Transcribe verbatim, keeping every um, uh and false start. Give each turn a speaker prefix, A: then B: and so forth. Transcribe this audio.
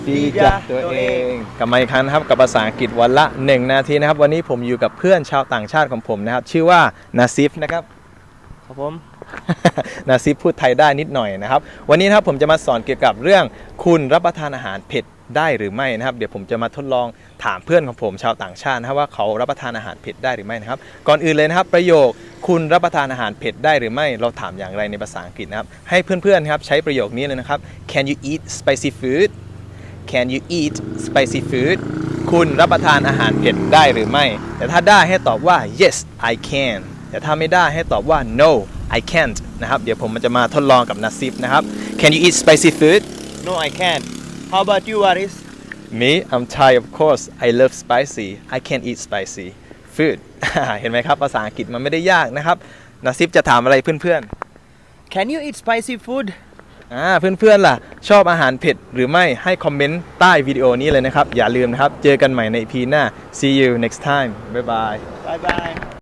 A: ดีจ้ะตัวเองกลับมาอีกครั้งนะครับกับภาษาอังกฤษวันละหนึ่งนาทีนะครับวันนี้ผมอยู่กับเพื่อนชาวต่างชาติของผมนะครับชื่อว่านาซิฟนะครับ
B: ครับผม
A: นาซิฟพูดไทยได้นิดหน่อยนะครับวันนี้นะครับผมจะมาสอนเกี่ยวกับเรื่องคุณรับประทานอาหารเผ็ดได้หรือไม่นะครับเดี๋ยวผมจะมาทดลองถามเพื่อนของผมชาวต่างชาตินะครับว่าเขารับประทานอาหารเผ็ดได้หรือไม่นะครับก่อนอื่นเลยนะครับประโยคคุณรับประทานอาหารเผ็ดได้หรือไม่เราถามอย่างไรในภาษาอังกฤษนะครับให้เพื่อนๆครับใช้ประโยคนี้เลยนะครับ Can you eat spicy food Can you eat spicy food คุณรับประทานอาหารเผ็ดได้หรือไม่แต่ถ้าได้ให้ตอบว่า yes I can แต่ถ้าไม่ได้ให้ตอบว่า no I can't นะครับเดี๋ยวผมมันจะมาทดลองกับนาซิฟนะครับ Can you eat spicy food
B: No I can't How about you Waris
A: Me I'm Thai of course I love spicy I can eat spicy food เห็นไหมครับภาษาอังกฤษมันไม่ได้ยากนะครับนาซิฟจะถามอะไรเพื่อนๆ
B: Can you eat spicy food
A: อ่าเพื่อนๆล่ะชอบอาหารเผ็ดหรือไม่ให้คอมเมนต์ใต้วิดีโอนี้เลยนะครับอย่าลืมนะครับเจอกันใหม่ใน อี พี หน้า See you next time Bye bye
B: Bye bye